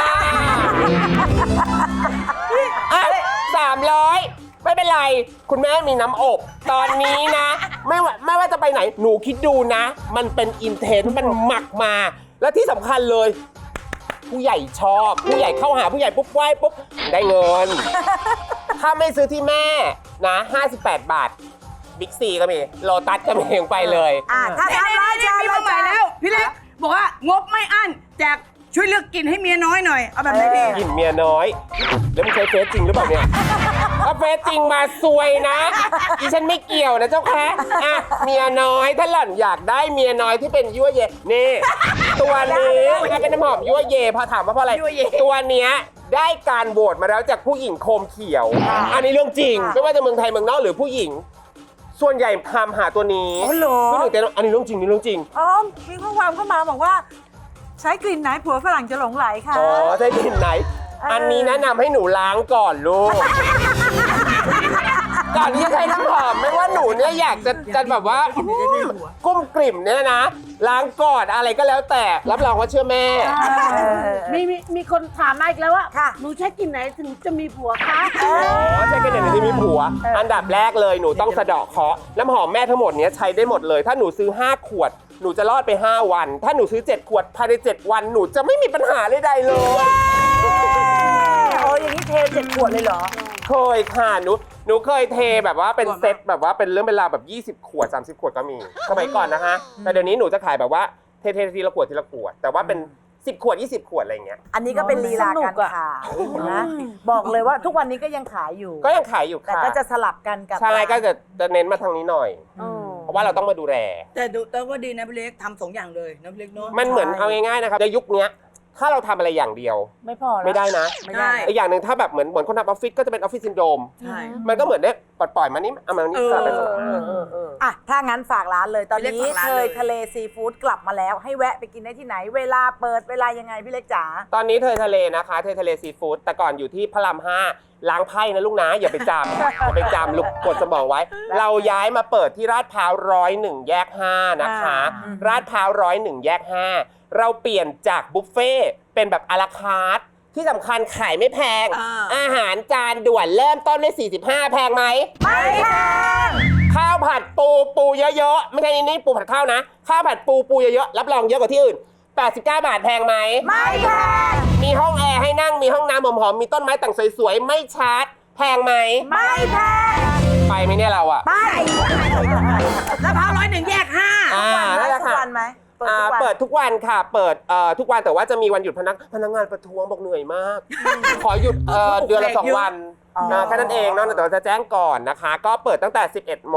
[SPEAKER 6] อ่ะ300ไม่เป็นไร คุณแม่มีน้ำอบ ตอนนี้นะ ไม่ว่าจะไปไหน หนูคิดดูนะ มันเป็นอินเทนต์มันหมักมา แล้วที่สำคัญเลย ผู้ใหญ่ชอบ ผู้ใหญ่เข้าหาผู้ใหญ่ปุ๊บไหว้ปุ๊บ ได้เงิน ถ้าไม่ซื้อที่แม่นะ 58 บาท บิ๊กซีก็มีโลตัสก็มีไปเลย
[SPEAKER 2] ถ้า
[SPEAKER 4] นี่
[SPEAKER 2] 300
[SPEAKER 4] มีมาใหม่แล้ว พี่เล็กบอกว่างบไม่อั้นแจกช่วยเลือกกินให้เมียน้อยหน่อย เอาแบบไหนดี
[SPEAKER 6] กลิ่นเมียน้อย แล้วมึงใช้เฟซจริงหรือเปล่าเนี่ย ถ้าเฟซจริงมาซวยนะดิฉันไม่เกี่ยวนะเจ้าค่ะอ่ะเมียน้อยถ้าหล่อนอยากได้เมียน้อยที่เป็นยั่วเยนี่ ตัวนี้มันเป็นน้ำหอมยั่วเยพอถามว่าเพราะอะไร ตัวเนี้ยได้การโหวตมาแล้วจากผู้หญิงโคมเขียว อันนี้เรื่องจริง ไม่ว่าจะเมืองไทยเมืองนอกหรือผู้หญิง ส่วนใหญ่ทำหาตัวนี้
[SPEAKER 2] อ๋อเหรอ
[SPEAKER 6] พี่หนึ่งแต่อันนี้เรื่องจริงนี่เรื่องจริง
[SPEAKER 5] อ๋อมีข้อความเข้ามาบอกว่า ใช้กลิ่นไหนผัวฝรั่งจะหลงไหลค่ะ
[SPEAKER 6] อ๋อใช่กลิ่นไหน อันนี้แนะนำให้หนูล้างก่อนลูกก่อนที่จะใช้น้ำหอมไม่ว่าหนูเนี่ยอยากจะแบบว่ากุ้มกลิ่มเนี่ยนะล้างก่อนอะไรก็แล้วแต่รับรองว่าเชื่อแม่
[SPEAKER 3] มีคนถามมาอีกแล้วว่า
[SPEAKER 2] ค่ะ
[SPEAKER 3] หนูใช้กลิ่นไหนถึงจะมีผัวคะ
[SPEAKER 6] อ๋อใช่กันอย่างที่มีผัว อันดับแรกเลยหนูต้องสะเดาะเคราะห์น้ำหอมแม่ทั้งหมดเนี้ยใช้ได้หมดเลย ถ้าหนูซื้อ5 ขวดหนูจะรอดไป5 วัน ถ้าหนูซื้อ7 ขวดภายใน7 วันหนูจะไม่มีปัญหาใดๆเลย
[SPEAKER 2] โอ้อย่างนี้เท7 ขวดเลยเหรอ
[SPEAKER 6] เคยค่ะหนูเคยเทแบบว่าเป็นเซตแบบว่าเป็นเรื่องเป็นราวแบบ20 ขวด30 ขวดก็มีสมัยก่อนนะฮะแต่เดี๋ยวนี้หนูจะขายแบบว่าเททีละขวดทีละขวดแต่ว่าเป็น10 ขวด20 ขวดอะไรเงี้ย
[SPEAKER 2] อันนี้ก็เป็นลีลาการขายนะบอกเลยว่าทุกวันนี้ก็ยังขายอยู่
[SPEAKER 6] ก็ยังขายอยู่
[SPEAKER 2] แต่
[SPEAKER 6] ค่ะ
[SPEAKER 2] ก็จะสลับกันกับ
[SPEAKER 6] ใช่ก็จะเน้นมาทางนี้หน่อย เพราะว่าเราต้องมาดูแล
[SPEAKER 4] แต่ว่าดีนะพี่เล็กทำ2 อย่างเลยนะพี่เล็กเนาะ
[SPEAKER 6] มันเหมือนเอาง่ายๆนะครับในยุคเนี้ยถ้าเราทำอะไรอย่างเดียว
[SPEAKER 3] ไม่พอแล้ว
[SPEAKER 6] ไม่ได้นะ
[SPEAKER 2] ไม่ได้
[SPEAKER 6] อีกอย่างหนึ่งถ้าแบบเหมือนคนทำออฟฟิศก็จะเป็นออฟฟิศซินโดรม
[SPEAKER 4] ใช่
[SPEAKER 6] มันก็เหมือนได้ปล่อยมานี่เอามานี่สลับไปสลับมา
[SPEAKER 2] อ่ะถ้างั้นฝากร้านเลยตอน
[SPEAKER 4] พี่
[SPEAKER 2] นี้
[SPEAKER 4] เล็กฝากร้าน
[SPEAKER 2] เค
[SPEAKER 4] เลย ย
[SPEAKER 2] ทะเลซีฟู้ดกลับมาแล้ว ให้แวะไปกินได้ที่ไหน เวลาเปิดเวลายังไงพี่เล็กจ๋า
[SPEAKER 6] ตอนนี้เธอทะเลนะคะเธอทะเลซีฟู้ดแต่ก่อนอยู่ที่พระราม5ล้างไพ่นะลูกนะอย่าไปจำ อย่าไปจำลูกกดสมองไว้ เราย้ายมาเปิดที่ลาดพร้าว101 แยก 5 นะคะลาดพร้าว101 แยก 5 เราเปลี่ยนจากบุฟเฟ่ต์เป็นแบบอาราคาร์ทที่สำคัญขายไม่แพง อาหารจานด่วนเริ่มต้นใน45แพงไหมไม่แพงข้าวผัดปูเยอะๆไม่ใช่นี่ปูผัดข้าวนะข้าวผัดปูเยอะๆรับรองเยอะกว่าที่อื่น89 บาทแพงไหมไม่แพงมีห้องแอร์ให้นั่งมีห้องน้ำหอมๆมีต้นไม้แต่งสวยๆไม่ชาร์จแพงไหมไม่แพงไปไหมเนี่ยเราอะ
[SPEAKER 4] แล้วพร้าว101 แยก 5
[SPEAKER 6] นั่นแหละ
[SPEAKER 2] ทุก
[SPEAKER 6] ค่ะ
[SPEAKER 2] วันไหมเปิดทุกวัน
[SPEAKER 6] เปิดทุกวันค่ะ เปิดทุกวันแต่ว่าจะมีวันหยุดพนักงานประท้วงบอกเหนื่อยมาก ขอหยุดเดือนละ2 วันนะแค่นั้นเองเนาะแต่เราจะแจ้งก่อนนะคะ ก็เปิดตั้งแต่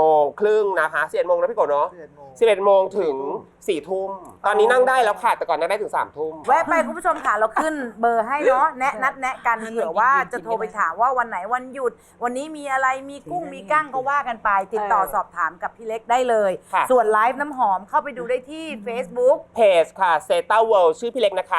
[SPEAKER 6] 11:30 นะคะ11 โมงนะพี่โกเนาะ11 โมงถึง4 ทุ่มตอนนี้นั่งได้แล้วค่ะแต่ก่อนนั่งได้ถึง3 ทุ่ม
[SPEAKER 2] แวะไปคุณผู้ชมค่ะเราขึ้นเบอร์ให้เนาะนัดแนะกันเผื่อว่าจะโทรไปถามว่าวันไหนวันหยุด วันนี้มีอะไรมีกุ้งมีกั้งก็ว่ากันไป ติดต่อสอบถามกับพี่เล็กได้เลย
[SPEAKER 6] ค่ะ
[SPEAKER 2] ส่วนไลฟ์น้ำหอมเข้าไปดูได้ที่ Facebook
[SPEAKER 6] เพจค่ะ Zeta World ชื่อพี่เล็กนะคะ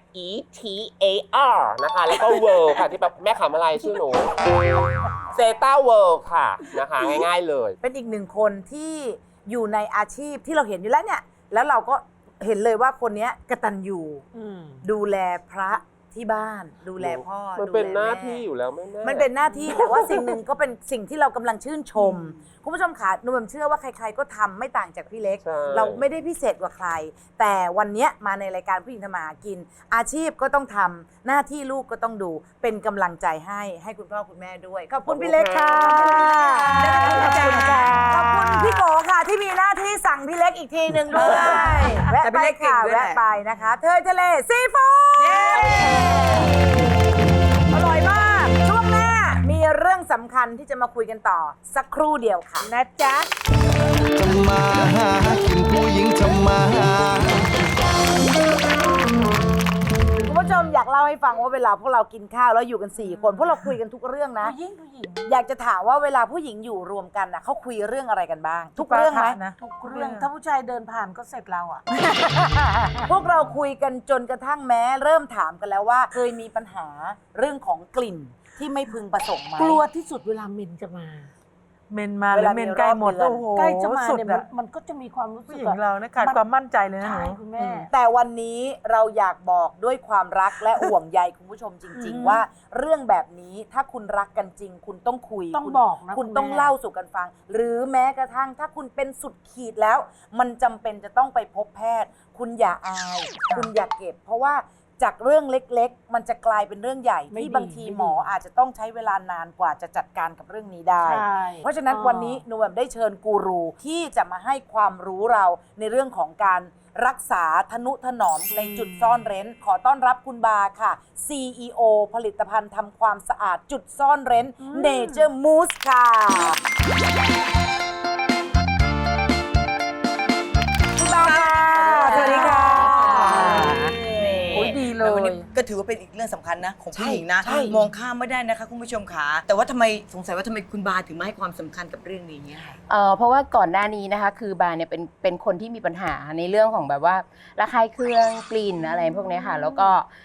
[SPEAKER 6] ZETAR นะคะแล้วก็ World ค่ะที่แบบแม่ขำอะไรชื่อหนู Zeta World ค่ะนะคะง่ายๆเลย
[SPEAKER 2] เป็นอีกหนึ่งคนที่อยู่ในอาชีพที่เราเห็นอยู่แล้วเนี่ย แล้วเราก็เห็นเลยว่าคนเนี้ยกตัญญูดูแลพระที่บ้าน ดูแลพ่อ
[SPEAKER 6] มัน
[SPEAKER 2] ดู
[SPEAKER 6] เป็น
[SPEAKER 2] แล
[SPEAKER 6] หน้า
[SPEAKER 2] แม่
[SPEAKER 6] ที่อยู่แล้วแม่
[SPEAKER 2] มันเป็นหน้าที่ แต่ว่าสิ่งหนึ่งก็เป็นสิ่งที่เรากำลังชื่นชม คุณผู้ชมค่ะหนูแบบเชื่อว่าใครๆก็ทำไม่ต่างจากพี่เล็ก
[SPEAKER 6] ใช่
[SPEAKER 2] เราไม่ได้พิเศษกว่าใคร แต่วันเนี้ยมาในรายการผู้หญิงทำมาหากิน อาชีพก็ต้องทำหน้าที่ลูกก็ต้องดูเป็นกำลังใจให้คุณพ่อคุณแม่ด้วยขอบคุณพี่เล็กค่ะขอบคุณค่ะขอบคุณพี่โกค่ะที่มีหน้าที่สั่งพี่เล็กอีกทีหนึ่งด้วยแวะ
[SPEAKER 4] แต่พี่
[SPEAKER 2] ไป
[SPEAKER 4] เล็กเก่ง
[SPEAKER 2] ค่ะ
[SPEAKER 4] ด้วยแหละ
[SPEAKER 2] แวะไปนะคะ เธอทะเลซีฟู้ดอร่อยมาก ช่วงหน้ามีเรื่องสำคัญที่จะมาคุยกันต่อ สักครู่เดียวค่ะนะจ๊ะ
[SPEAKER 8] ทำมาหากินผู้หญิงทำมาหา
[SPEAKER 2] คุณผู้ชมอยากเล่าให้ฟังว่าเวลาพวกเรากินข้าวแล้วอยู่กัน 4 คนพวกเราคุยกันทุกเรื่องนะ
[SPEAKER 3] ผู้หญิง
[SPEAKER 2] อยากจะถามว่าเวลาผู้หญิงอยู่รวมกันนะเขาคุยเรื่องอะไรกันบ้าง ทุกเรื่องไหม
[SPEAKER 5] นะ
[SPEAKER 3] ทุกเรื่องถ้าผู้ชายเดินผ่านก็เสร็จเราอ่ะ
[SPEAKER 2] พวกเราคุยกันจนกระทั่งแม้เริ่มถามกันแล้วว่า เคยมีปัญหาเรื่องของกลิ่นที่ไม่พึงประสงค์ไหม
[SPEAKER 3] กลัวที่สุดเวลาเมนจะมา
[SPEAKER 5] เมนมาหรือเมนใกล้หมด
[SPEAKER 2] เวลามีรอบเดือน
[SPEAKER 5] โอ้โห
[SPEAKER 3] ใกล้จะมา
[SPEAKER 5] สุด
[SPEAKER 3] เนี่ย
[SPEAKER 5] อะ
[SPEAKER 3] มันก็จะมีความรู้สึ
[SPEAKER 5] ผู้
[SPEAKER 3] ก
[SPEAKER 5] หญิงเรานะขาดความมั่นใจเลยนะห
[SPEAKER 3] ใช่
[SPEAKER 5] นู
[SPEAKER 3] คุณแม่
[SPEAKER 2] แต่วันนี้เราอยากบอกด้วยความรักและห่วงใยคุณผู้ชมจริง ๆ ว่าเรื่องแบบนี้ถ้าคุณรักกันจริง คุณต้องคุย
[SPEAKER 3] ต้อง
[SPEAKER 2] คุณ
[SPEAKER 3] บอกนะ
[SPEAKER 2] คุณ
[SPEAKER 3] คุณ
[SPEAKER 2] ต้อง
[SPEAKER 3] แม่
[SPEAKER 2] เล่าสู่กันฟัง หรือแม้กระทั่งถ้าคุณเป็นสุดขีดแล้ว มันจำเป็นจะต้องไปพบแพทย์ คุณอย่าอาย คุณอย่าเก็บ เพราะว่าจากเรื่องเล็กๆ มันจะกลายเป็นเรื่องใหญ่
[SPEAKER 3] ไม่
[SPEAKER 2] ที่
[SPEAKER 3] ดี
[SPEAKER 2] บางที
[SPEAKER 3] ไม่ดี
[SPEAKER 2] หมออาจจะต้องใช้เวลานานกว่าจะจัดการกับเรื่องนี้ได้
[SPEAKER 3] ใช่
[SPEAKER 2] เพราะฉะนั้น
[SPEAKER 3] อ๋อ
[SPEAKER 2] วันนี้หนูแบบได้เชิญกูรูที่จะมาให้ความรู้เราในเรื่องของการรักษาทนุถนอมในจุดซ่อนเร้น ขอต้อนรับคุณบาค่ะ CEO ผลิตภัณฑ์ทำความสะอาดจุดซ่อนเร้น Nature Mousse ค่ะคุณบาค่ะสวัสดีค่ะ
[SPEAKER 3] โอ้ยดีเล
[SPEAKER 4] แล้ววัน
[SPEAKER 3] ย
[SPEAKER 4] นี้ก็ถือว่าเป็นอีกเรื่องสำคัญนะของผู้หญิงนะ
[SPEAKER 2] ใช่
[SPEAKER 4] มองข้ามไม่ได้นะคะคุณผู้ชมขาแต่ว่าทำไมสงสัยว่าทำไมคุณบาถึงมาให้ความสำคัญกับเรื่องนี้เนี่ยค่ะ
[SPEAKER 9] เพราะว่าก่อนหน้านี้นะคะคือบาเนี่ยเป็นคนที่มีปัญหาในเรื่องของแบบว่าระคายเคืองกลิ่นอะไรพวกเนี้ยค่ะ แล้วก็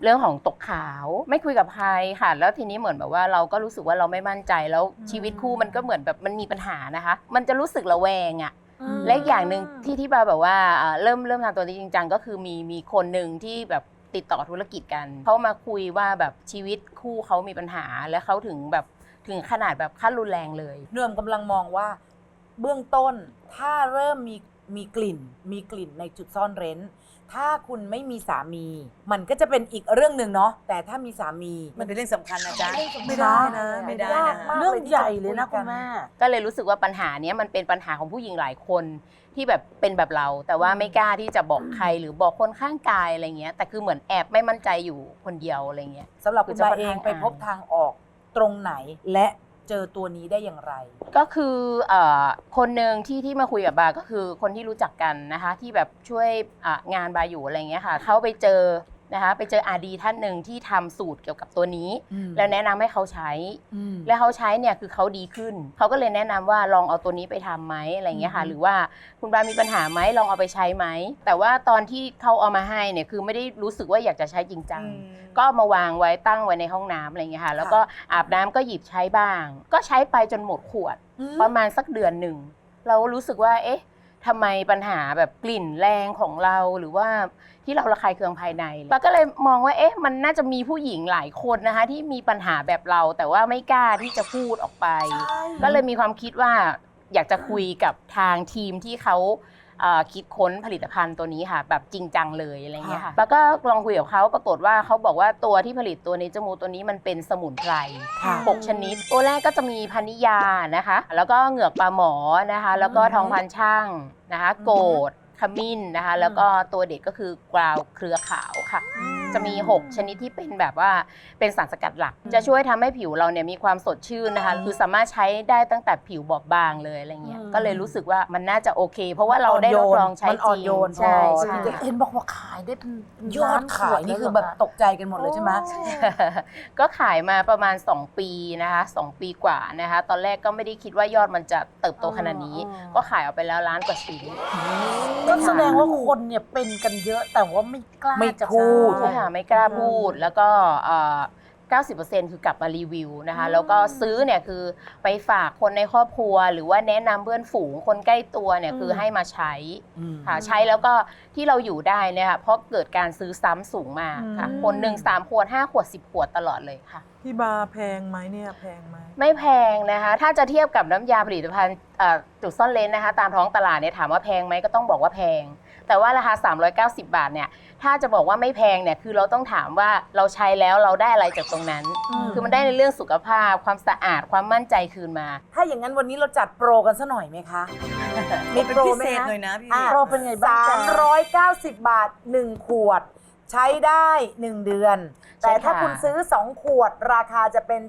[SPEAKER 9] เรื่องของตกขาวไม่คุยกับใครค่ะ แล้วทีนี้เหมือนแบบว่าเราก็รู้สึกว่าเราไม่มั่นใจแล้วชีวิตคู่มันก็เหมือนแบบมันมีปัญหานะคะ มันจะรู้สึกระแวงอะและอีกอย่างหนึ่งที่บาแบบว่าเริ่มทำตัวนี้จริงจังก็คือมีคนหนึ่งที่แบบติดต่อธุรกิจกันเขามาคุยว่าแบบชีวิตคู่เขามีปัญหาและเขาถึงขนาดแบบขั้นรุนแรงเลย
[SPEAKER 2] เนื่อมกำลังมองว่าเบื้องต้นถ้าเริ่มมีกลิ่นในจุดซ่อนเร้น ถ้าคุณไม่มีสามี มันก็จะเป็นอีกเรื่องหนึ่งเนาะแต่ถ้ามีสามี
[SPEAKER 4] มันเป็นเรื่องสำคัญนะจ๊ะ
[SPEAKER 2] ไม่ได้นะ
[SPEAKER 4] ไม่ได้นะ
[SPEAKER 3] เรื่องใหญ่เลยนะคุณแม่
[SPEAKER 9] ก็เลยรู้สึกว่าปัญหาเนี้ยมันเป็นปัญหาของผู้หญิงหลายคนที่แบบเป็นแบบเรา แต่ว่าไม่กล้าที่จะบอกใครหรือบอกคนข้างกายอะไรเงี้ยแต่คือเหมือนแอบไม่มั่นใจอยู่คนเดียวอะไรเงี้ย
[SPEAKER 2] สำหรับคุณ
[SPEAKER 9] จะ
[SPEAKER 2] มา
[SPEAKER 9] ค่อน
[SPEAKER 2] เอง
[SPEAKER 9] ข้าง
[SPEAKER 2] ไปพบทางออกตรงไหนและเจอตัวนี้ได้อย่างไร
[SPEAKER 9] ก็คือคนหนึ่งที่มาคุยกับบาก็คือคนที่รู้จักกันนะคะที่แบบช่วยงานบาอยู่อะไรเงี้ยค่ะเขาไปเจอนะคะไปเจอRDท่านหนึ่งที่ทำสูตรเกี่ยวกับตัวนี้ แล้วแนะนำให้เขาใช้ และเขาใช้เนี่ยคือเขาดีขึ้นเขาก็เลยแนะนำว่าลองเอาตัวนี้ไปทำไหมอะไรเงี้ยค่ะหรือว่าคุณบามีปัญหาไหมลองเอาไปใช้ไหมแต่ว่าตอนที่เขาเอามาให้เนี่ยคือไม่ได้รู้สึกว่าอยากจะใช้จริงจังก็เอามาวางไว้ตั้งไว้ในห้องน้ำอะไรเงี้ยค่ะแล้วก็อาบน้ำก็หยิบใช้บ้างก็ใช้ไปจนหมดขวดประมาณสักเดือนหนึ่งเรารู้สึกว่าเอ๊ะทำไมปัญหาแบบกลิ่นแรงของเราหรือว่าที่เราระคายเคืองภายในปาก็เลยมองว่าเอ๊ะมันน่าจะมีผู้หญิงหลายคนนะคะที่มีปัญหาแบบเราแต่ว่าไม่กล้าที่จะพูดออกไปก็เลยมีความคิดว่าอยากจะคุยกับทางทีมที่เขาคิดค้นผลิตภัณฑ์ตัวนี้ค่ะแบบจริงจังเลยอะไรเงี้ยค่ะแล้วก็ลองคุยกับเขาปรากฏว่าเขาบอกว่าตัวที่ผลิตตัวเนเจอร์มูตัวนี้มันเป็นสมุนไพร6 ชนิดตัวแรกก็จะมีพานิยานะคะแล้วก็เหงือกปลาหมอนะคะแล้วก็ทองพันช่างนะคะโกดขมิ้นนะคะแล้วก็ตัวเด็ดก็คือกราวเครือขาวค่ะจะมี6 ชนิดที่เป็นแบบว่าเป็นสารสกัดหลักจะช่วยทำให้ผิวเราเนี่ยมีความสดชื่นนะคะคือสามารถใช้ได้ตั้งแต่ผิวบอบบางเลยอะไรเงี้ยก็เลยรู้สึกว่ามันน่าจะโอเค เพราะว่าเราได้ทดลองใช้จริงใช่ใช่
[SPEAKER 3] เห็นบอกว่าขายได้เป็น
[SPEAKER 2] ยอดขายนี่คือแบบตกใจกันหมดเลยใช่ไหม
[SPEAKER 9] ก็ขายมาประมาณ2 ปีนะคะ2 ปีกว่านะคะตอนแรกก็ไม่ได้คิดว่ายอดมันจะเติบโตขนาดนี้ก็ขายออกไปแล้ว1,000,000 กว่าชิ้น
[SPEAKER 3] ก็แสดงว่าคนเนี่ยเป็นกันเยอะแต่ว่าไม่กล้าจะพูด
[SPEAKER 9] ใช่ค่ะไม่กล้าพูดแล้วก็90% คือกลับมารีวิวนะคะแล้วก็ซื้อเนี่ยคือไปฝากคนในครอบครัวหรือว่าแนะนำเพื่อนฝูงคนใกล้ตัวเนี่ยคือให้มาใช้ค่ะใช้แล้วก็ที่เราอยู่ได้เนี่ยค่ะเพราะเกิดการซื้อซ้ำสูงมากค่ะคนหนึ่ง3 ขวด 5 ขวด 10 ขวดตลอดเลยค่ะ
[SPEAKER 5] พี่บาแพงไหมเนี่ยแพงไหม
[SPEAKER 9] ไม่แพงนะคะถ้าจะเทียบกับน้ำยาผลิตภัณฑ์จุดซ่อนเลนนะคะตามท้องตลาดเนี่ยถามว่าแพงไหมก็ต้องบอกว่าแพงแต่ว่าราคา390 บาทเนี่ยถ้าจะบอกว่าไม่แพงเนี่ยคือเราต้องถามว่าเราใช้แล้วเราได้อะไรจากตรงนั้นคือมันได้ในเรื่องสุขภาพความสะอาดความมั่นใจคืนมา
[SPEAKER 2] ถ้าอย่างนั้นวันนี้เราจัดโปรกันซะหน่อยไหมคะ มีโปรไหม
[SPEAKER 4] พิเศษ
[SPEAKER 2] คะ
[SPEAKER 4] หน่อยนะพี่
[SPEAKER 3] โปรเป็นไงบ้างจ๊ะ
[SPEAKER 2] 390 บาท 1 ขวด ใช้ได้ 1 เดือน
[SPEAKER 9] ใช่
[SPEAKER 2] แต่ถ้า
[SPEAKER 9] ค่ะ
[SPEAKER 2] คุณซื้อ 2 ขวด ราคาจะเป็น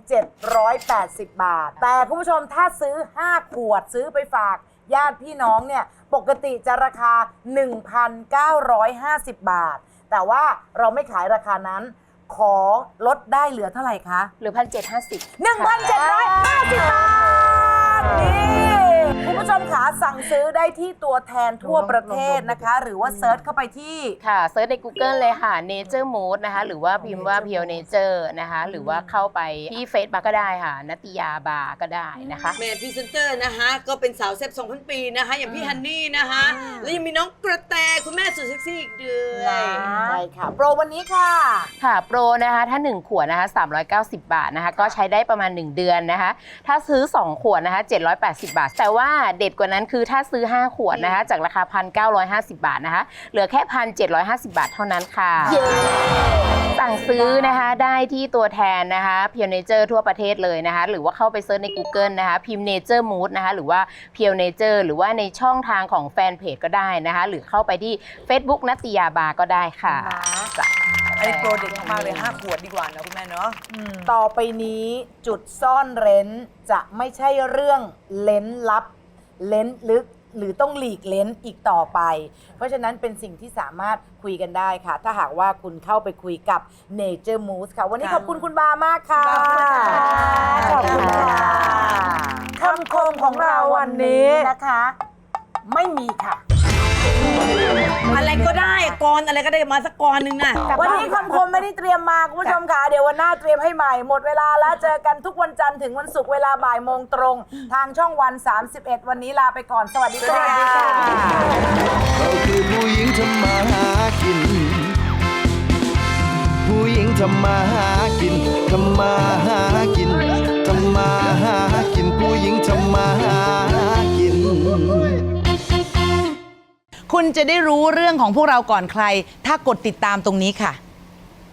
[SPEAKER 2] 780 บาท แต่คุณผู้ชมถ้าซื้อ 5 ขวดซื้อไปฝากญาติพี่น้องเนี่ยปกติจะราคา 1,950 บาท แต่ว่าเราไม่ขายราคานั้น ขอลดได้เหลือเท่าไหร่คะ
[SPEAKER 9] หรือ 1,750
[SPEAKER 2] 1,750 บาท นี่คุณผู้ชมขาสั่งซื้อได้ที่ตัวแทนทั่วประเทศนะคะ หรือว่าเซิร์ชเข้าไปที่
[SPEAKER 9] ค่ะเซิร์ชใน Google เลยค่ะ Nature Mood นะคะหรือว่าพิมพ์ว่า Pure Nature นะคะหรือว่าเข้าไปที่ Facebook ก็ได้ค่ะนัตติยาบาร์ก็ได้นะคะ
[SPEAKER 4] แม่พรีเซนเตอร์นะคะก็เป็นสาวแซ่บ2,000 ปีนะคะอย่างพี่ฮันนี่นะคะแล้วยังมีน้องกระแตคุณแม่สุดเซ็กซี่อีกด้วย
[SPEAKER 2] ใช่ค่ะ โปรวันนี้ค่ะ
[SPEAKER 9] ค่ะโปรนะคะถ้า1 ขวดนะคะ390 บาทนะคะก็ใช้ได้ประมาณ1 เดือนนะคะถ้าซื้อ2 ขวดนะคะ780 บาทแต่ว่าเด็ดกว่านั้นคือถ้าซื้อ5 ขวดนะคะจากราคา 1,950 บาทนะคะเหลือแค่ 1,750 บาทเท่านั้นค่ะสั่งซื้อนะคะได้ที่ตัวแทนนะคะ Pure Nature ทั่วประเทศเลยนะคะหรือว่าเข้าไปเซิร์ชใน Google นะคะพิมพ์ Nature Mood นะคะหรือว่า Pure Nature หรือว่าในช่องทางของแฟนเพจก็ได้นะคะหรือเข้าไปที่ Facebook นัตติยาบาร์ก็ได้ค่ะจ้ะ
[SPEAKER 4] อันนี้โปรเด็ดมากเลย5 ขวดดีกว่านะคุณแม่เนาะ
[SPEAKER 2] ต่อไปนี้จุดซ่อนเร้นจะไม่ใช่เรื่องเล้นลับ เล้นลึกหรือต้องหลีกเล้นอีกต่อไป เพราะฉะนั้นเป็นสิ่งที่สามารถคุยกันได้ค่ะ ถ้าหากว่าคุณเข้าไปคุยกับ Nature Moose ค่ะ วันนี้ขอบคุณคุณบามากค่ะ
[SPEAKER 3] ขอบคุณค่ะคำคมของเราวันนี้นะคะ ไม่มีค่ะ
[SPEAKER 4] อะไรก็ได้กรอะไรก็ได้มาสักกรหนึ่งน่ะ
[SPEAKER 2] วันนี้คำคมไม่ได้เตรียมมาคุณผู้ชมค่ะเดี๋ยววันหน้าเตรียมให้ใหม่หมดเวลาแล้วเจอกันทุกวันจันทร์ถึงวันศุกร์เวลาบ่ายโมงตรง ทางช่องวัน 31 วันนี้ลาไปก่อนสวัสดีค่ะ
[SPEAKER 8] เราคือผู้หญิงทำมาหากิน ผู้หญิงทำมาหากินทำมาหากินทำมาหากินผู้หญิงทำมาหากิน
[SPEAKER 2] คุณจะได้รู้เรื่องของพวกเราก่อนใคร ถ้ากดติดตามตรงนี้ค่ะ